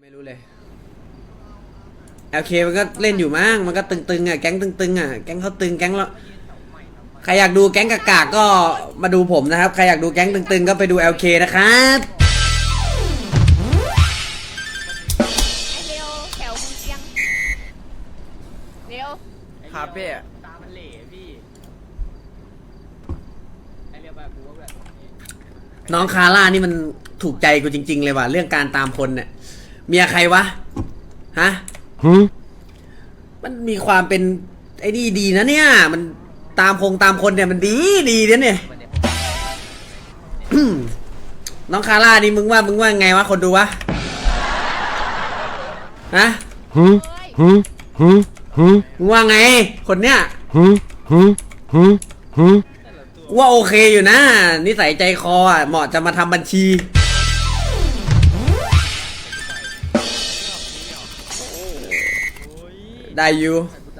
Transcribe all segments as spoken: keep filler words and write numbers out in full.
ไม่รู้เลยโอเคมันก็เล่นอยู่มั้งมันก็ตึงๆอ่ะแก๊งตึงๆอ่ะแก๊งเขาตึงแก๊งแล้วใครอยากดูแก๊งกากๆก็มาดูผมนะครับใครอยากดูแก๊งตึงๆก็ไปดู แอล เค นะครับไอเร็วแถวมึงเอียงเร็วครับพี่ตามันเหล่พี่ไอเรียกแบบกูว่าแบบน้องคาร่านี่มันถูกใจกูจริงๆเลยว่ะเรื่องการตามคนเนี่ยเมียใครวะฮะมันมีความเป็นไอ้นี่ดีนะเนี่ยมันตามคงตามคนเนี่ยมันดีดีเนี่ยน้องคาร่านี่มึงว่ามึงว่าไงวะคนดูวะฮะมึงว่าไงคนเนี้ยว่าโอเคอยู่นะนิสัยใจคออ่ะเหมาะจะมาทำบัญชีได้อยู่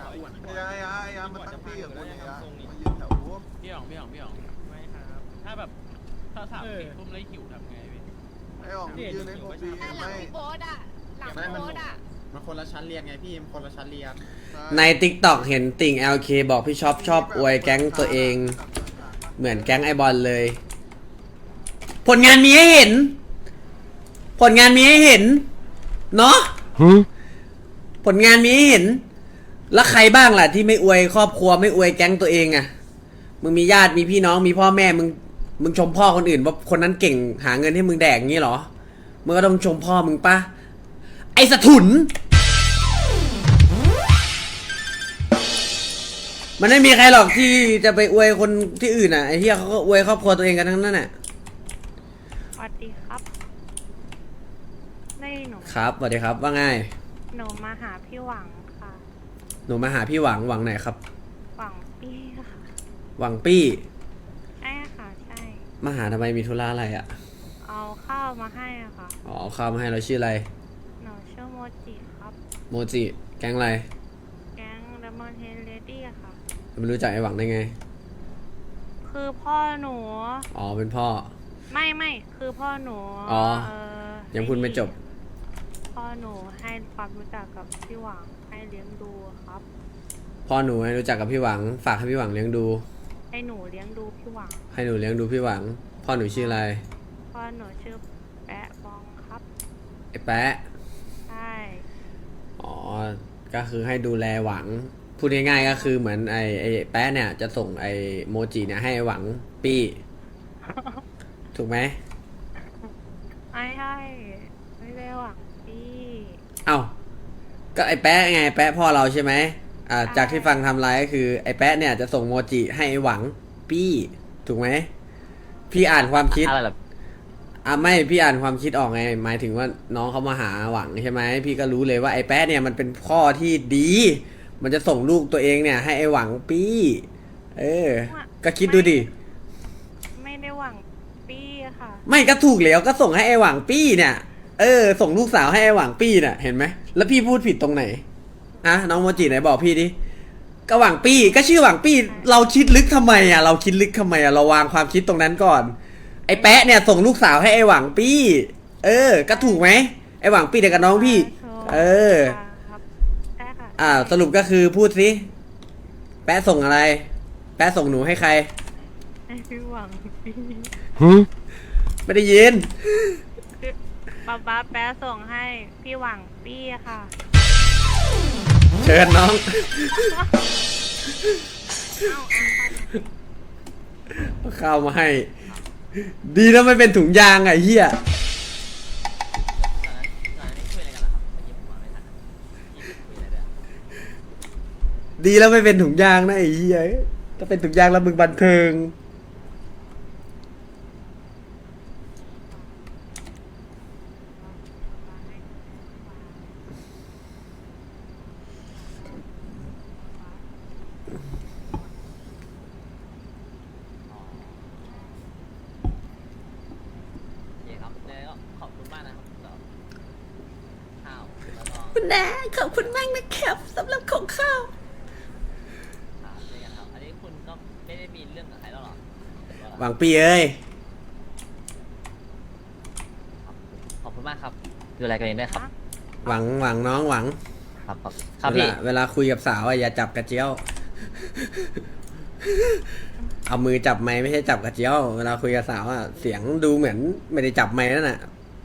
พี่หยองพี่หยองพี่หยองไม่ครับถ้าแบบถ้าสามสี่ทุ่มแล้วหิวทำไงพี่ไอ้หยองยืนในโมบีหน้าหลังไม่พี่โบ๊ทอะหลังโบ๊ทอะมันคนละชั้นเรียนไงพี่มันคนละชั้นเรียนใน ติ๊กต็อก เห็นติ่ง แอล เค บอกพี่ชอบชอบอวยแก๊งตัวเองเหมือนแก๊งไอบอลเลยผลงานมีให้เห็นผลงานมีให้เห็นเนาะผลงานมีให้เห็นแล้วใครบ้างล่ะที่ไม่อวยครอบครัวไม่อวยแก๊งตัวเองอะมึงมีญาติมีพี่น้องมีพ่อแม่มึงมึงชมพ่อคนอื่นว่าคนนั้นเก่งหาเงินให้มึงแดกงี้เหรอมึงก็ต้องชมพ่อมึงปะไอสะถุนมันไม่มีใครหรอกที่จะไปอวยคนที่อื่นอ่ะไอ้เหี้ยเขาก็อวยครอบครัวตัวเองกันทั้งนั้นน่ะสวัสดีครับนี่หนูครับสวัสดีครับว่าไงหนูมาหาพี่หวังค่ะหนูมาหาพี่หวังหวังไหนครับหวังปี้ค่ะหวังปี้ใช่ค่ะใช่มาหาทำไมมีธุระอะไรอ่ะเอาข้าวมาให้อะค่ะอ๋อข้าวมาให้เราชื่ออะไรหนูชื่อโมจิครับโมจิแก๊งอะไรแก๊งเลมอนเฮดเลดี้อะค่ะไม่รู้จักไอ้หวังได้ไงคือพ่อหนูอ๋อเป็นพ่อไม่ไม่คือพ่อหนูอ๋อเออยังพูดไม่จบพ่อหนูให้ความรู้จักกับพี่หวังให้เลี้ยงดูครับพ่อหนูให้รู้จักกับพี่หวังฝากให้พี่หวังเลี้ยงดูให้หนูเลี้ยงดูพี่หวังให้หนูเลี้ยงดูพี่หวังพ่อหนูชื่ออะไรพ่อหนูชื่อแปะบองครับไอ้แปะใช่อ๋อก็คือให้ดูแลหวังพูดง่ายๆก็คือเหมือนไอ้ไอ้แป๊ะเนี่ยจะส่งไอ้โมจิเนี่ยให้หวังปี้ ถูกไหมไม่ใช่ไม่ได้หวังปี้เอ้าก็ไอ้แป๊ะไงแป๊ะพ่อเราใช่ไหมอ่าจากที่ฟังทำไลฟ์ก็คือไอ้แป๊ะเนี่ยจะส่งโมจิให้หวังปี้ถูกไหมพี่อ่านความคิดอะไรแบบอ่ะไม่พี่อ่านความคิดออกไงหมายถึงว่าน้องเขามาหาหวังใช่ไหมพี่ก็รู้เลยว่าไอ้แป๊ะเนี่ยมันเป็นพ่อที่ดีมันจะส่งลูกตัวเองเนี่ยให้ไอ้หวังปี้เออก็คิดดูดิไม่ได้หวังปี้ค่ะไม่ก็ถูกแล้วก็ส่งให้ไอ้หวังปี้เนี่ยเออส่งลูกสาวให้ไอ้หวังปี้เนี่ยเห็นไหมแล้วพี่พูดผิดตรงไหนอะน้องโมจิไหนบอกพี่ดิก็หวังปี้ก็ชื่อหวังปี้เราคิดลึกทำไมอ่ะเราคิดลึกทำไมอ่ะเราวางความคิดตรงนั้นก่อนไอ้แป๊ะเนี่ยส่งลูกสาวให้ไอ้หวังปี้เออก็ถูกไหมไอ้หวังปี้เด็กกับน้องพี่เอออ่าสรุปก็คือพูดสิแป๊ะส่งอะไรแป๊ะส่งหนูให้ใครให้พี่หวังปี้ไม่ได้ยินป๊าป๊าแป๊ะส่งให้พี่หวังปี้ค่ะเชิญน้องข้าวมาให้ดีนะไม่เป็นถุงยางไอ้เหี้ยดีแล้วไม่เป็นถุงยางนะไอ้เหี้ยถ้าเป็นถุงยางแล้วมึงบันเทิงคุณแม่ขอบคุณมากนะครับสำหรับของข้าวอันนี้คุณก็ไม่ได้มีเรื่องกับใครแล้วหรอหวังปีเอ้ยขอบคุณมากครับดูแลกันเองด้วยครับหวังหวังน้องหวังครับครับครับเวพี่ลาเวลาคุยกับสาวอะอย่าจับกระเจียว เอามือจับไม้ไม่ใช่จับกระเจียว เวลาคุยกับสาวอะเสียงดูเหมือนไม่ได้จับไม้นั่นน่ะ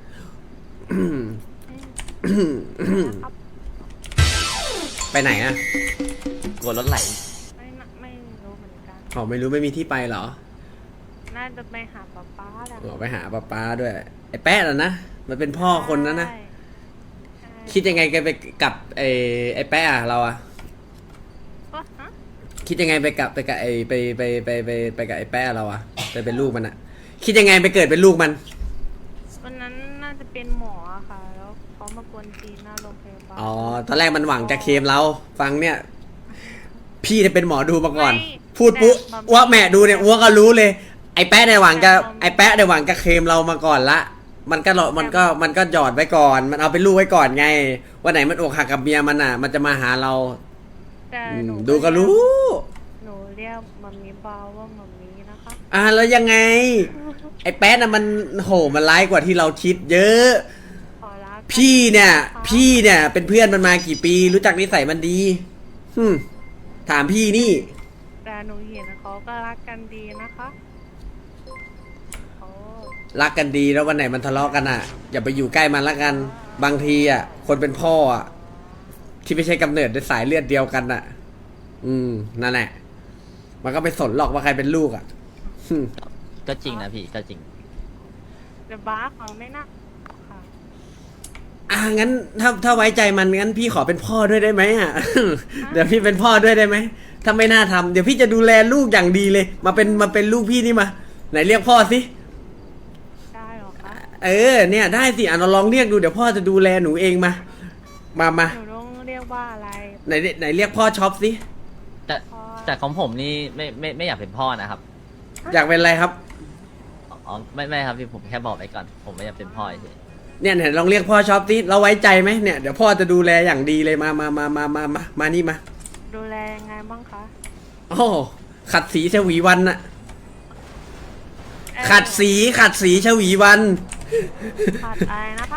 ครับไปไหนอะกลัวรถไหลไม่น่ะไม่รู้เหมือนกันอ๋อไม่รู้ไม่มีที่ไปเหรอน่าจะไปหาป๊าป๊าแหละอ๋อไปหาป้าป้าด้วย ไอ้แป๊ะน่ะนะมันเป็นพ่อคนนั้นนะใช่ใช่คิดยังไงแกไปกับไอ้ไอ้แป๊ะอะเราอะก็ฮะคิดยังไงไปกับไปกับไอ้ไปไปไปไปไปกับไอ้แป๊ะเราอะไปเป็นลูกมันอะคิดยังไงไปเกิดเป็นลูกมันวันนั้นน่าจะเป็นหมออะค่ะ แล้วเขามากวนตีนหน้าโรงพยาบาลอ๋อ ตอนแรกมันหวังจะเคลมเรา ฟังเนี่ย พี่จะเป็นหมอดูมาก่อน พูดปุ๊อ้วกแม่ดูเนี่ยอ้วกก็รู้เลย ไอ้แป๊ะในยหวังจะไอ้แป๊ะในยหวังจะเคลมเรามาก่อนละ มันก็รอมันก็มันก็หยอดไว้ก่อน มันเอาเป็นลูกไว้ก่อนไง วันไหนมันอกหักกับเมียมันอ่ะ มันจะมาหาเราแต่อืหนูมดูก็รู้หนูเรียกมัมมี่บาวว่ามัมมี่นะคะอ่ะแล้วยังไง ไอ้แป๊ะน่ะมันโหมันร้ายกว่าที่เราคิดเยอะขอรักพี่เนี่ย พี่เนี่ยเป็นเพื่อนมันมากี่ปี รู้จักนิสัยมันดีหึมถามพี่นี่แต่หนูเห็นเขาก็รักกันดีนะคะเขารักกันดีแล้ววันไหนมันทะเลาะกันอ่ะ อย่าไปอยู่ใกล้มันละกัน บางทีอ่ะ คนเป็นพ่ออ่ะ ที่ไม่ใช่กำเนิดด้วยสายเลือดเดียวกันอ่ะ อืมนั่นแหละ มันก็ไม่สนหรอกว่าใครเป็นลูกอ่ะหึก็จริงนะพี่ก็จริงจะบ้าฟังไม่น่าค่ะอ่ะงั้นถ้าถ้าไว้ใจมันงั้นพี่ขอเป็นพ่อด้วยได้ไหมอ่ะ เดี๋ยวพี่เป็นพ่อด้วยได้ไหมถ้าไม่น่าทำเดี๋ยวพี่จะดูแลลูกอย่างดีเลย มาเป็นมาเป็นลูกพี่นี่มา ไหนเรียกพ่อสิได้เหรอคะเออเนี่ยได้สิอ่ะเราลองเรียกดูเดี๋ยวพ่อจะดูแลหนูเองมา มามาหนูต้องเรียกว่าอะไรไหนไหนเรียกพ่อช็อปสิแต่พ่อแต่ของผมนี่ไม่ไม่ไม่อยากเป็นพ่อนะครับอยากเป็นอะไรครับอ๋อไม่ไม่ครับพี่ผมแค่บอกไว้ก่อน ผมไม่อยากเป็นพ่อเฉยเนี่ยเนี่ยลองเรียกพ่อช็อปสิเราไว้ใจไหมเนี่ยเดี๋ยวพ่อจะดูแลอย่างดีเลยมามามามามามามานี่มาดูแลยังไงบ้างคะโอ้ขัดสีชวีวันน่ะเอ่อขัดสีขัดสีชวีวันขัดอะไรนะคะ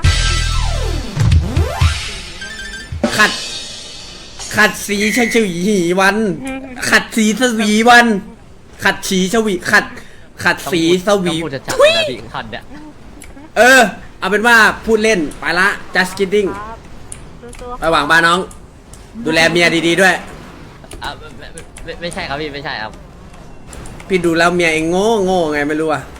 ขัด ขัดสีชชวีวัน ขัดสีสวีวัน ขัดสีชวีขัด ขัดๆสีสวีต้องพูดจะจัดเลยนะพี่คันเนี่ยเออ เอาเป็นว่าพูดเล่นไปละ just kidding ครับสู้ๆระหว่างบ้านน้อง ดูแลเมียดีๆด้วยอ่ะไม่ไม่ไม่ไม่ใช่ครับพี่ไม่ใช่ครับพี่ดูแล้วเมียเองโง่โง่ไงไม่รู้อะ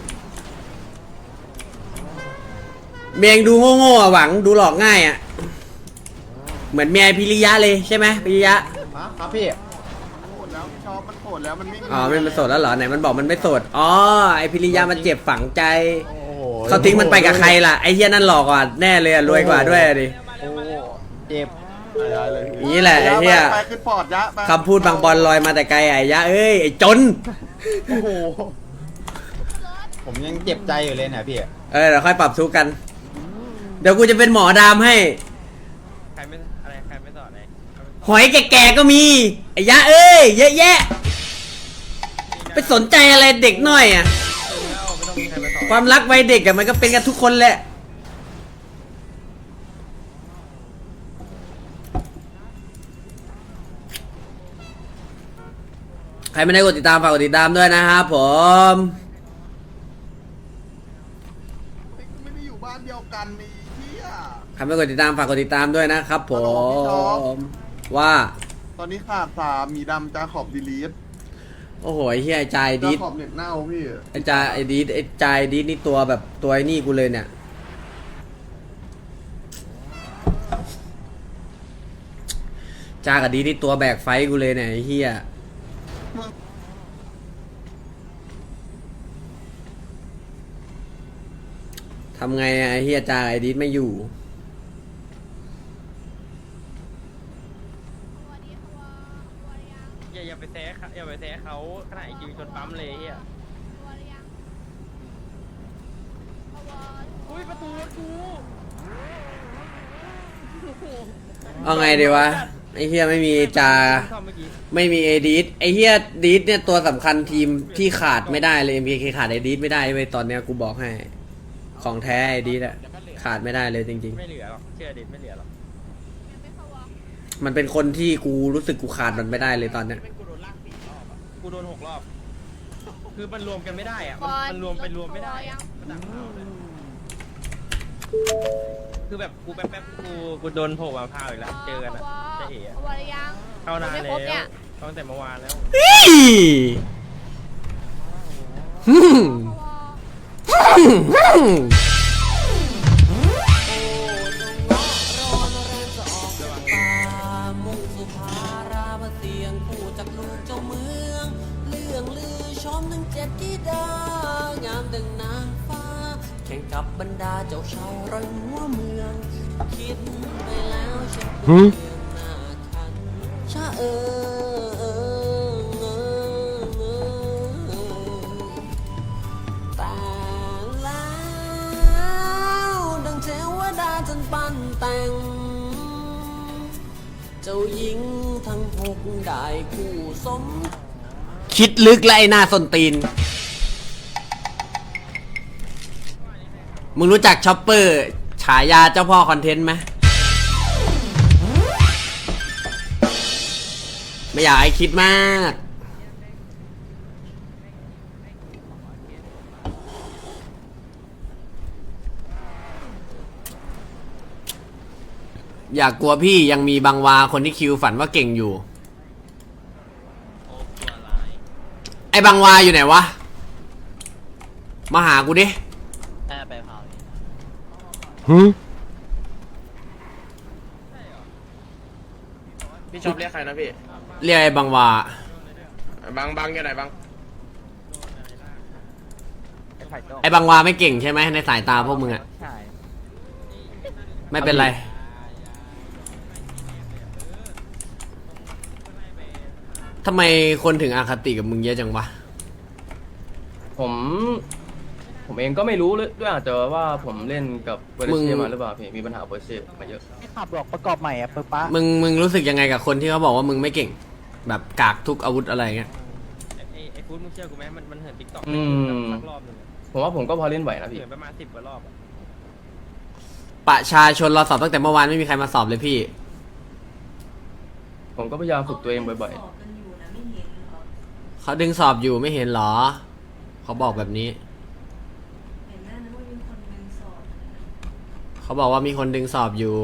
เมียเองดูโง่โง่อะหวังดูหลอกง่ายอะเหมือนเมียพิริยะเลยใช่ไหมพิริยะฮะครับพี่โหดแล้วชอบมันโหดแล้วมันไม่มีอ๋อไม่มันโสดแล้วเหรอไหนมันบอกมันไม่โสดอ๋อไอพิริยะมันเจ็บฝังใจโอ้โหเขาทิ้งมันไปกับใครล่ะไอเฮียนั่นหลอกกว่าแน่เลยอะรวยกว่าด้วยอะดิโอ้โหเจ็บอะไรเลยอย่างนี้แหละไอ้เหี้ยไปขึ้นปอดยะไปคำพูดบางบอลลอยมาแต่ไกลไอ้ยะเอ้ยไอ้จนโอ้โหผมยังเจ็บใจอยู่เลยนะพี่เออเดี๋ยวค่อยปรับทุกข์กัน เดี๋ยวกูจะเป็นหมอดามให้ใครไม่อะไรใครไม่สอนเลยหอยแก่ๆก็มีไอ้ยะเอ้ยเยอะแยะ ไปสนใจอะไรเด็กหน่อยอ่ะไม่ต้องมีใครมาสอนความรักวัยเด็กอะมันก็เป็นกันทุกคนแหละ ใครไม่ได้กดติดตามฝากกดติดตามด้วยนะครับผมไม่ได้อยู่บ้านเดียวกันนี่เฮียใครไม่กดติดตามฝากกดติดตามด้วยนะครับผฮัลโหลพี่ท็อปม ว่าตอนนี้ขาดสามหมีดำจาขอบดีลีทโอ้โหไอ้เฮียไอ้จายจาดีดขอบเน็ตเน่าพี่ไอ้จายไอ้ดีดไอ้จายดีดนี่ตัวแบบตัวไอ้นี่กูเลยเนี่ย จากับดีดนี่ตัวแบกไฟกูเลยเนี่ยไอ้เฮียทำไงอะไอ้เฮียจากับไอ้ดีดไม่อยู่อย่าอย่าไปแซะเขาอย่าไปแซะเขาขนาดไอคิวจนปั๊มเลยเฮียอุ้ยประตูรถกูเอาไงดีวะไอ้เฮียไม่มีจาซ่อมเมื่อกี้ไม่มีเอดีดไอเฮียดีดเนี่ยตัวสำคัญทีมที่ขาดไม่ได้เลย เอ็ม เค ขาดไอดีดไม่ได้เว้ยตอนเนี้ยกูบอกให้ ของแท้ไอดีดอะขขาดไม่ได้เลยจริงไม่เหลือหรอกเชื่อดิไม่เหลือหรอกยังไม่เข้าวอๆ มันเป็นคนที่กูรู้สึกกูขาดมันไม่ได้เลยตอนเนี้ยเป็นกูโดนลากสี่รอบอ่ะกูโดนหกรอบ คือมันรวมกันไม่ได้อ่ะบมันอลมันรวมเป็นรวมไม่ได้ยังมันดักเราเลยคือแบบกูแป๊บๆกูกูโดนโผล่มาพาวอีกแล้วเจอกันอ่ะเจะเอ๋อะเข้าวอหรือยังเข้านานไม่แล้ครบเนี่วย ตั้งแต่เมื่อวานแล้วฮึ่มเข้าวอฮึ่มฮึ่มมุ่งสุภารามาเสียงผู้จากลูกเจ้าเมือง เรื่องลือชมทั้งเจ็ดธิดางามดังนางฟ้า แข่งกับบรรดาเจ้าชายร้อยหัวเมือง คิดไปแล้วฉันเรื่องหน้าคันชะเออเออเออเออแต่แล้วดังเทวดาจันปั้นแต่ง เจ้าหญิงทั้งหกได้คู่สมคิดลึกและไอ้หน้าส้นตีน มึงรู้จักช็อปเปอร์ ฉายาเจ้าพ่อคอนเทนต์ไหมไม่อยากให้คิดมาก อยากกลัวพี่ยังมีบางวาคนที่คิวฝันว่าเก่งอยู่โอ้ตัวร้ายไอ้บางวาอยู่ไหนวะ มาหากูดิแค่ไปเผานี่พี่ชอบเรียกใครนะพี่เรียกไอ้บางวาบังบังอยู่ไหนบังไอ้บางวาไม่เก่งใช่ไหมในสายตาพวกมึงอะใช่ไม่เป็นไร ทำไมคนถึงอาคติกับมึงเยอะจังวะผม ผมเองก็ไม่รู้เลยด้วยอาจจะว่าผมเล่นกับเบอร์มึงเช่มาหรือเปล่าพี่มีปัญหาเบอร์เช่มาเยอะไม่ขับหรอกประกอบใหม่อ่ะเปิดป้ามึงมึงรู้สึกยังไงกับคนที่เขาบอกว่ามึงไม่เก่ง แบบกากทุกอาวุธอะไรเงี้ยไอ้ไอ้ฟูดมึงเชื่อกูไหมมันมันเหินติ๊กต็อกอืมสักรอบหนึงอะผมว่าผมก็พอเล่นไหวนะพี่เหินประมาณสิบกว่ารอบอะประชาชนเราสอบตั้งแต่เมื่อวานไม่มีใครมาสอบเลยพี่ผมก็พยายามฝึกตัวเองบ่อยเขาดึงสอบอยู่ไม่เห็นเหรอ เขาบอกแบบนี้ เขาบอกว่ามีคนดึงสอบอยู่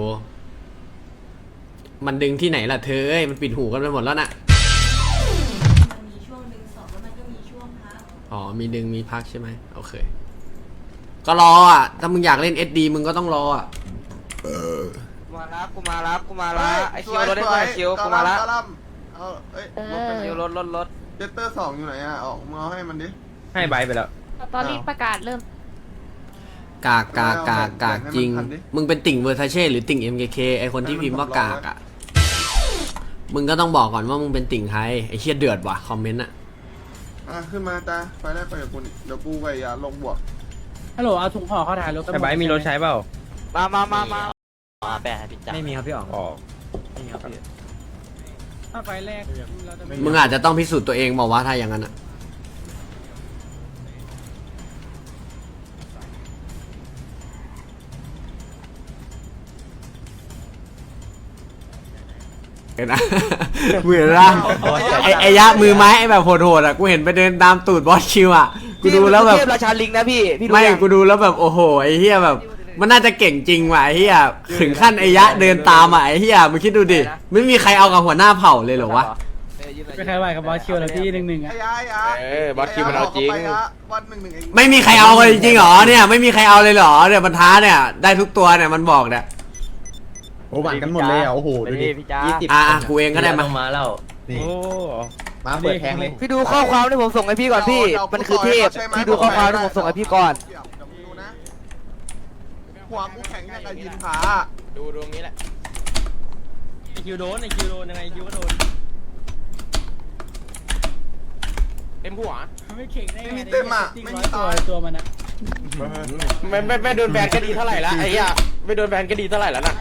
มันดึงที่ไหนล่ะเธอเอ้ยมันปิดหูกันไปหมดแล้วน่ะมันมีช่วงดึงสอบแล้วมันก็มีช่วงพักอ๋อ มีดึงมีพักใช่ไหมโอเค ก็รออ่ะ ถ้ามึงอยากเล่น เอส ดี มึงก็ต้องรออ่ะกูมาละกูมาละกูมาละเฮ้ยไอคิวรถได้ไหมคิวสกูยมาละกะหล่ำเอาเอ้ยเอรถเป็นคิวอรถรถรถเจตเตอร์สองอยู่ไหนอ่ะออกมาเอาให้มันดิให้ใบไปแล้วตอนนี้ประกาศเริ่มกากกากกากกากจริง มึงเป็นติ่งเวอร์ทาเช่หรือติ่ง เอ็ม เค เค ไอคนที่พิมพ์ว่ากากอ่ะ มึงก็ต้องบอกก่อนว่ามึงเป็นติ่งใครไอเชี่ยเดือดว่ะคอมเมนต์อ่ะอ่ะขึ้นมาตาไปได้ไปกับกูนี่เดี๋ยวกูกับยาลงบวกฮัลโหลเอาถุงห่อเข้าถ่ายรถไอ้ใบมีรถใช้เปล่ามามามามาอ๋อแปะให้พี่จักรไม่มีครับพี่อ๋องอ๋อไม่มีครับพี่ถ้าไฟแรกเราจะไม่มึงอาจจะต้องพิสูจน์ตัวเองบอกว่าถ้าอย่างนั้นอ่ะ เห็นนะ มือละไอไอยะมือไม้ไอแบบโหดๆอ่ะกูเห็นไปเดินตามตูดบอสคิวอ่ะกูดูแล้วแบบเทพราชาลิงนะพี่พี่ดูไม่ยังกูดูแล้วแบบโอ้โหไอเฮียแบบ มันน่าจะเก่งจริงว่ะไอเฮียถึงขั้นไอยะเดินตามอ่ะไอเฮียมึงคิดดูดิไม่มีใครเอากับหัวหน้าเผ่าเลยเหรอวะไม่ใครไหวกับบอสคิวแล้วพี่หนึ่งหนึ่งไอ้อ่ะยาไอ้ยาเออบอสคิวมันเอาจริงไปยะวันหนึ่งหนึ่งเองไม่มีใครเอาเลยจริงเหรอเนี่ยไม่มีใครเอาเลยเหรอเนี่ยบรรท้าเนี่ยได้ทุกตัวเนี่ยมันบอกเนี่ยโอ้หวานกันหมดเลยอ่ะโอ้โหดูดิพี่จ้ายี่สิบอ่ะกูเองก็ได้มาลงมาแล้วนี่โอ้มาเปิดแทงเลยพี่ดูข้อความที่ผมส่งให้พี่ก่อนพี่มันคือเทพพี่ดูข้อความที่ผมส่งให้พี่ก่อนเดี๋ยวเดี๋ยวมึงดูนะหัวกูแข็งอย่างกับยินผาดูตรงนี้แหละไอคิวโดนไอคิวโดนยังไงไอคิวก็โดนเต็มหัวไม่เข่งได้ไม่มีเต็มอ่ะไม่มีตัวตายตัวมันอะไม่ไม่ไม่โดนแบนก็ดีเท่าไหร่ละไอ้เหี้ยไม่โดนแบนก็ดีเท่าไหร่แล้วน่ะ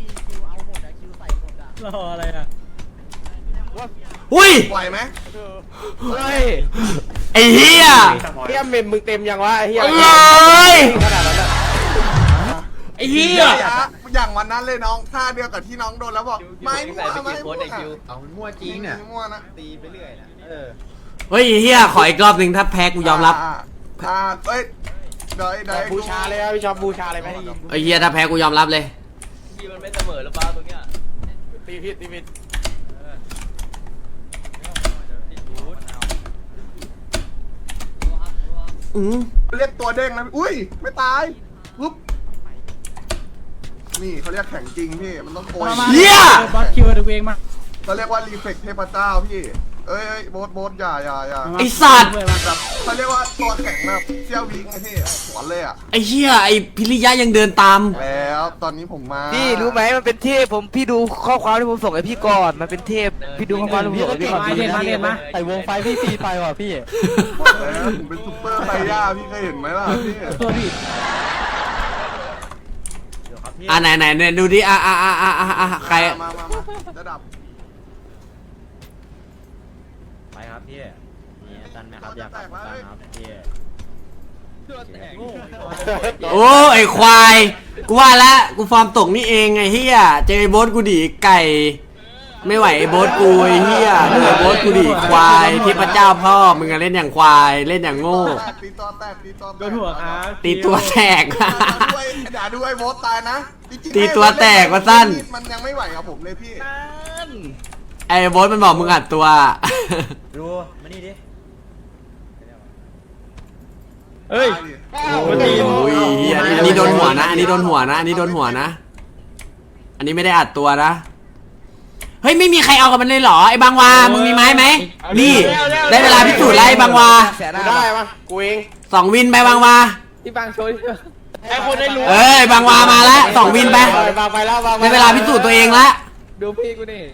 รออะไรอ่ะอุ้ยไหวไหมเฮ้ยไอเฮียเฮียเมมมึงเต็มยังวะไอ้เฮียเอ้ยขนาดนั้นอะไอ้เหี้ยอย่างวันนั้นเลยน้องท่าเดียวกับที่น้องโดนแล้วบอกไม่มั่วไม่มั่วเอามันมั่วจริงเนี่ยไม่มั่วนะตีไปเรื่อยนะเออเฮ้ยไอ้เหี้ยขออีกรอบหนึ่งถ้าแพ้กูยอมรับอ่าอ่าเอ้ยเดี๋ยวเดี๋ยวบูชาเลยครับพี่ชอบบูชาเลยไหมไอ้เหี้ยถ้าแพ้กูยอมรับเลยพี่มันไม่เสมอหรือเปล่าตรงเนี้ยตีผิดตีผิดอือเรียกตัวเด้งนะอุ้ยไม่ตายปุ๊บนี่เขาเรียกแข่งจริงพี่มันต้องโกยเหี้ยบอสคิวดูเองมาเขาเรียกว่ารีเฟกเทพเจ้าพี่เอ้ยเอ้ยโบสโบสอย่าอย่าอย่าไอ้สัตว์แบบเขาเรียกว่าตัวแข็งแบบเซี่ยววิงไงพี่สวนเลยอ่ะไอ้เหี้ยไอ้พิริยะยังเดินตามแล้วตอนนี้ผมมาพี่รู้ไหมมันเป็นเทพผมพี่ดูข้อความที่ผมส่งให้พี่ก่อนมันเป็นเทพพี่ดูข้อความที่ผมส่งให้พี่ก่อนมาเล่นมาเล่นมาใส่วงไฟพี่ตีไปว่ะพี่บอกแล้วผมเป็นซุปเปอร์ไซย่าพี่เคยเห็นไหมล่ะพี่ตัวพี่อ่ะไหนไหนเนี่ยดูดิอ่ะอ่ะอ่ะอ่ะอ่ะอ่ะใครมามามาระดับไปครับพี่นี่ตันไหมครับอยากกลับกันครับพี่โอ้ไอ้ควายกูว่าแล้วกูฟอร์มตกนี่เองไอ้เหี้ยเจอไอ้โบ๊ทกูดิไก่ ไม่ไหวไอ้โบ๊ทกูไอ้เหี้ยเจอไอ้โบ๊ทกูดิควายที่พระเจ้าพ่อมึงอะเล่นอย่างควายเล่นอย่างโง่ตีตัวแตกตีตัวแตกโดนหัวครับตีตัวแตกด้วยอย่าด้วยโบสตายนะจริงๆตีตัวแตกว่าสั้นมันยังไม่ไหวกับผมเลยพี่ไอ้โบ๊ทมันบอกมึงอัดตัวดูมานี่ดิเฮ้ยโอ้ยเหี้ยอันนี้โดนหัวนะ อันนี้โดนหัวนะ อันนี้โดนหัวนะ อันนี้ไม่ได้อัดตัวนะ เฮ้ยไม่มีใครเอากับมันเลยเหรอไอ้บางวา มึงมีไม้ไหม นี่ได้เวลาพิสูจน์แล้วไอ้บางวากูได้ปะกูเองสองวินไปบางวาพี่บางโชว์ไอ้คนได้รู้เอ้ยบางวามาแล้วสองวินไปบางไปแล้วบางได้เวลาพิสูจน์ตัวเองละดูพี่กูนี่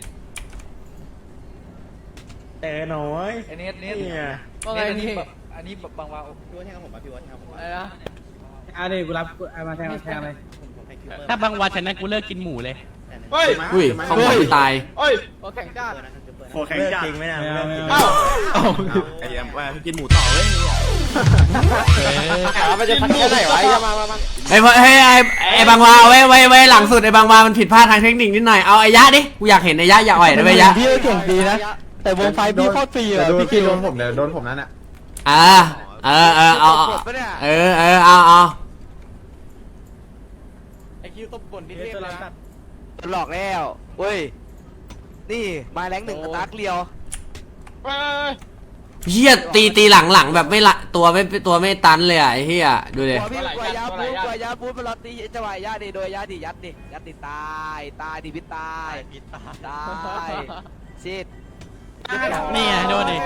แต่น้อยไอ้เน็ตเน็ตเนี่ยว่าไงพี่อันนี้บางว่าพี่ว่าแทงกับผมป่ะพี่ว่าแทงกับผมอะไรนะอ่ะเดี๋ยวกูรับเอามาแทงมาแทงเลยถ้าบางวันฉันนั้นกูเลิกกินหมูเลยเฮ้ยอุ้ยเขาบอกกูตายเฮ้ยโอแข่งจ้าโคแข็งจัดจริงไหมนะไม่เอาไม่เอาเอ้าไอ้ยังว่ากินหมูต่อเลยขามันจะทันแค่ไหนวะมามามาไอ้ยเฮ้ยไอ้ไอ้บางวาเอาไว้ไว้ไว้หลังสุดไอ้บางวามันผิดพลาดทางเทคนิคนิดหน่อยเอาไอ้ยะดิกูอยากเห็นไอ้ยะอย่าอ่อยนะไอ้ยะพี่เก่งดีนะแต่วงไฟพี่โคตรฟรีอ่ะพี่พี่โดนผมเดี๋ยวโดนผมนั่นอ่ะอ่าเออเออเอาเอากดปะเนี่ยเออเออเอาเอาไอ้คิวตบบ่นดิเทพนะหลอกแล้วเว้ยนี่มาแรงหนึ่งกับดักเลียวเฮ้ยเฮียตีตีหลังหลังแบบไม่ละตัวไม่ตัวไม่ตันเลยอ่ะไอ้เฮียดูดิกลัวพี่กลัวยาปูกลัวยาปูมันรอตีจังหวะยาดิโดยยาดิยัดดิยัดดิตายตายดิพิตายตายชิดนี่ไงโดนดิ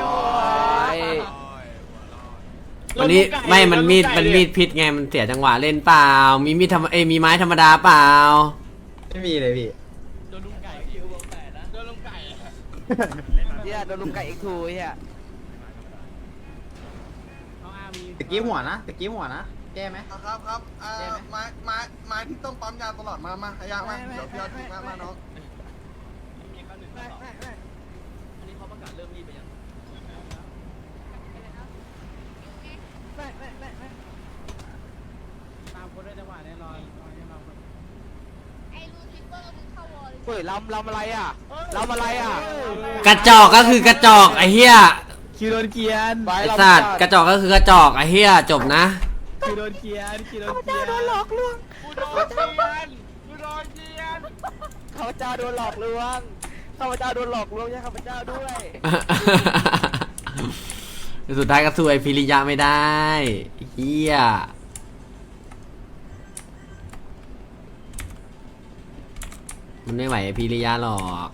วันนี้ไม่มันมีดมันมีดพิษไงมันเสียจังหวะเล่นเปล่ามีมีดธรรมเอยมีไม้ธรรมดาเปล่าไม่มีเลยพี่โดนลุงไก่คิววงแปดนะโดนลุงไก่เฮียโดนลุงไก่เอ็กทูเฮียเอาอามีตะกี้หัวนะตะกี้หัวนะแก้ไหมครับครับอ่าไม้ไม้ไม้ที่ต้องปั๊มยาตลอดมามาขยะมาเดี๋ยวพี่เอาทิ้งมามาน้องอันนี้เขาประกาศเริ่มรีบไปยังตามคนได้จังหวะแน่นอนแน่นอนไอ้ลูซิเฟอร์มึงเข้าวอลเฮ้ยลำลำอะไรอ่ะลำอะไรอ่ะกระจอกก็คือกระจอกไอ้เฮียคิวโดนเกียนไอ้สัตว์กระจอกก็คือกระจอกไอ้เฮียจบนะคิวโดนเกียนคิวโดนเกียนโดนหลอกลวงกูโดนเกียนกูโดนเกียนข้าพเจ้าโดนหลอกลวงข้าพเจ้าโดนหลอกลวงใช่ข้าพเจ้าด้วยสุดท้ายก็สู้ไอ้พิริยะไม่ได้เฮียมันไม่ไหวไอ้พิริยะหรอก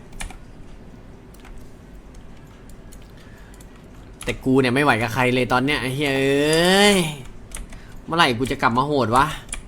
แต่กูเนี่ยไม่ไหวกับใครเลยตอนเนี้ยไอ้เฮ้ยเอ้ยเมื่อไหร่กูจะกลับมาโหดวะ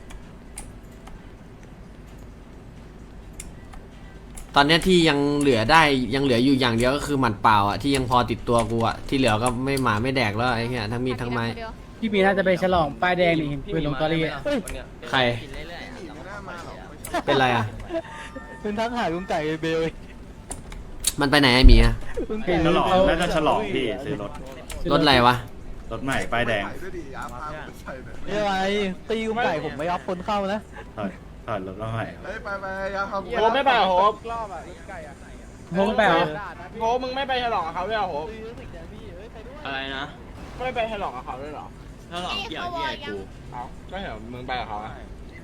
ตอนเนี้ยที่ยังเหลือได้ยังเหลืออยู่อย่างเดียวก็คือหมัดเปล่าอ่ะที่ยังพอติดตัวกูอ่ะที่เหลือก็ไม่หมาไม่แดกแล้วไอ้เหี้ยทั้งมีดทั้งไม้พี่มีน่าจะไปฉลองป้ายแดงนี่เห็นปืนลงตอรี่อะใครกินเรื่อยๆหนีไม่น่ามาหรอกเป็นไรอ่ะเป็นทั้งหาลุงไก่เบลมันไปไหนไอ้หมีอะลุงไก่ฉลองน่าจะฉลองพี่ซื้อรถรถอะไรวะรถใหม่ป้ายแดงใส่ด้วยดิอย่าพาไปใส่เลยนี่อะไรตีลุงไก่ผมไม่รับคนเข้านะถอยถอดรถมาใหม่เฮ้ยไปไปยาทำโหไม่ไปเหรอโหรอบอ่ะรถไก่อ่ะโหไม่ไปเหรอโหมึงไม่ไปฉลองกับเขาด้วยเหรอโหอะไรนะไม่ไปฉลองกับเขาด้วยเหรอถ้าหลอกเกี่ยวที่ไอ้กูเอาก็เห็นมึงไปกับเขาอะ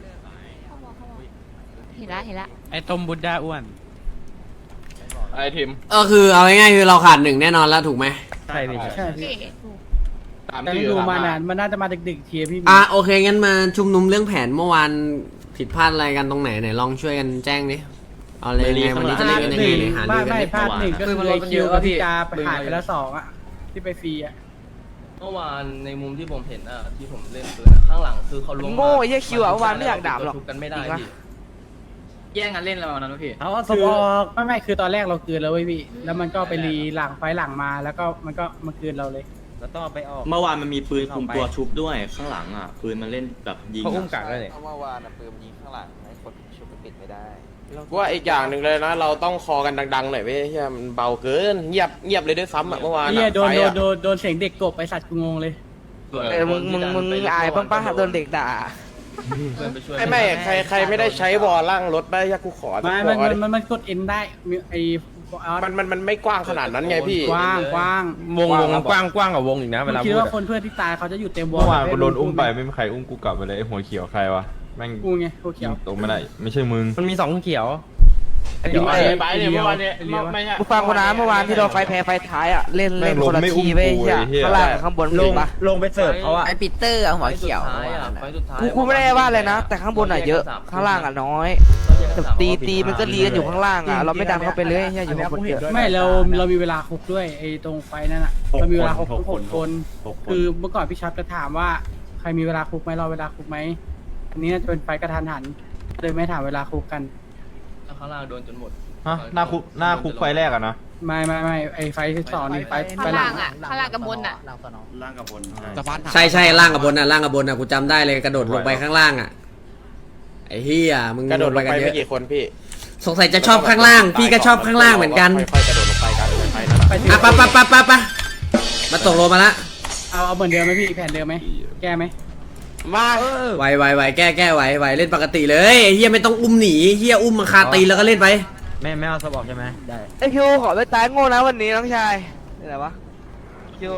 เห็นละเห็นละไอ้ต้มบุดด้าอ้วนไอ้ทิมเออคือเอาง่ายๆคือเราขาดหนึ่งแน่นอนแล้วถูกไหมใช่พี่โอเคถูกตามแต่ที่ดูตมานานมามันน่าจะมาดึกๆเทียพี่อ่ะโอเคงั้นมาชุมนุมเรื่องแผนเมื่อวานผิดพลาดอะไรกันตรงไหนไหนลองช่วยกันแจ้งดิเอาเลยไงวันนี้จะเล่นกันยังไงไหนหาไม่รือกันไม่ดิพลาดหนึ่งก็คือไอ้คิวกับพี่กาไปหายไปแล้วสองอ่ะที่ไปฟรีอ่ะเมื่อวานในมุมที่ผมเห็นอะที่ผมเล่นปืนอะข้างหลังคือเขาลงมาโง่ไอ้เหี้ยคิวอะเมื่อวานไม่อยากด่าหรอกชุบกันไม่ได้จริงปะพี่แย่งกันเล่นแล้วนั้นพี่เอาศพออกไม่ไม่คือตอนแรกเราคืนแล้วเว้ยพี่แล้วมันก็ไปรีหลังไฟหลังมาแล้วก็มันก็มาคืนเราเลยแล้วต้องไปออกเมื่อวานมันมีปืนคุมตัวชุบด้วยข้างหลังอ่ะปืนมันเล่นแบบยิงเขาอุ้มกักด้วยเนี่ยเมื่อวานปืนยิงข้างหลังให้คนชุบไปปิดไม่ได้ว่าอีกอย่างหนึ่งเลยนะ เราต้องคอกันดังๆหน่อยเว้ยเฮียมันเบาเกินเงียบเงียบเลยด้วยซ้ำอะเมื่อวานไอ้เหี้ยโดนไฟโดนอะโดนโดนเสียงเด็กกบไปสัตว์กูงงเลยเออมึงมึงมึงอายบ้างป่ะโดนเด็กด่าไม่ไม่ใครใครไม่ได้ใช้วอลล่างรถได้ยากูขอสักไม่วมันอมันดิมันมันกดเอ็นได้มีไอ้เอามันมันมันไม่กว้างขนาดนั้นไงพี่กว้างกว้างวงวงกว้างกว้างกับวงอีกนะเวมึงลาคิดพูดว่าอะคนเพื่อนที่ตายเขาจะอยู่เต็มวอลเมื่อวานกูโดนอุ้มไปไม่มีใครอุ้มกูกลับมาเลยไอ้หัวเขียวใครวะแม่งกูไงกูเขียวตกไม่ได้ไม่ใช่มึงมันมีสองเขียวเดี๋ยวไปไอ้ไปเนี่ยเดียวเมื่อวานเนี่ยไอ้เดียวไม่ใช่กูฟังกูนะเมื่อวานที่เราไฟแพ้ไฟท้ายอ่ะเล่นเล่นคนละทีเว้ยเหี้ยข้างล่างกับข้างบนลเห็งนปะลงไปเสิร์ฟเขาอะไอ้ปีเตอร์อะหัวเขียวไฟสุดท้ายอะไฟสุดท้ายกูกูไม่ได้ว่าเลยนะ แต่ข้างบนอ่ะเยอะข้างล่างอ่ะน้อยแต่ตีตีมันก็รีกันอยู่ข้างล่างอ่ะเราไม่ดันเข้าไปเลยเหี้ยอยู่ข้างบนเยอะไม่เราเรามีเวลาคุกด้วยไอ้ตรงไฟนั่นอ่ะเรามีเวลาคุกหกคนคือเมื่อก่อนพี่ชัดจะถามว่าใครมีเวลาคุกไหมรอเวลาคุกไหมอันนี้น่าจะเป็นไฟกระทันหันเลยไม่ถามเวลาคุกกันข้างล่างโดนจนหมดฮะหน้าคุกหน้าคุกไฟแรกอะนะไม่ไม่ไม่ไอ้ไฟสองนี่ไฟไฟข้างหลัล่าง งอ่ะข้างล่างกับบนอ่ะล่างกับบนใช่ใช่ล่างกับบนน่ะล่างกับบนน่ะกูจำได้เลยกระโดดลงไปข้างล่างอ่ะไอ้เฮียมึงกระโดดลงไปกันเยไม่อะกี่คนพี่สงสัยจะชอบข้างล่าง พี่ก็ชอบข้างล่างเหมือนกันค่อยๆกระโดดลงไปกันไฟนั่นแหละไปถึงอ่ะปะปะปะปะปะมาตกลงมาละเอาเอาเหมือนเดิมไหมพี่แผนเดิมไหมแก้ไหมมาไหวไหวไหวแก้แก้ไหวไหวเล่นปกติเลยไอ้เฮียไม่ต้องอุ้มหนีเฮียอุ้มมาคาตีนแล้วก็เล่นไปแม่แม่เอาสบอกใช่ไหมได้ไอคิวขอไปตายโง่นะวันนี้น้องชายนี่ไหนวะคิว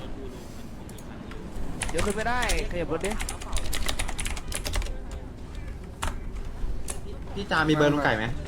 เดี๋ยวขึ้นไม่ได้ขยับรถดิพี่จามีเบอร์ลุงไก่ไหม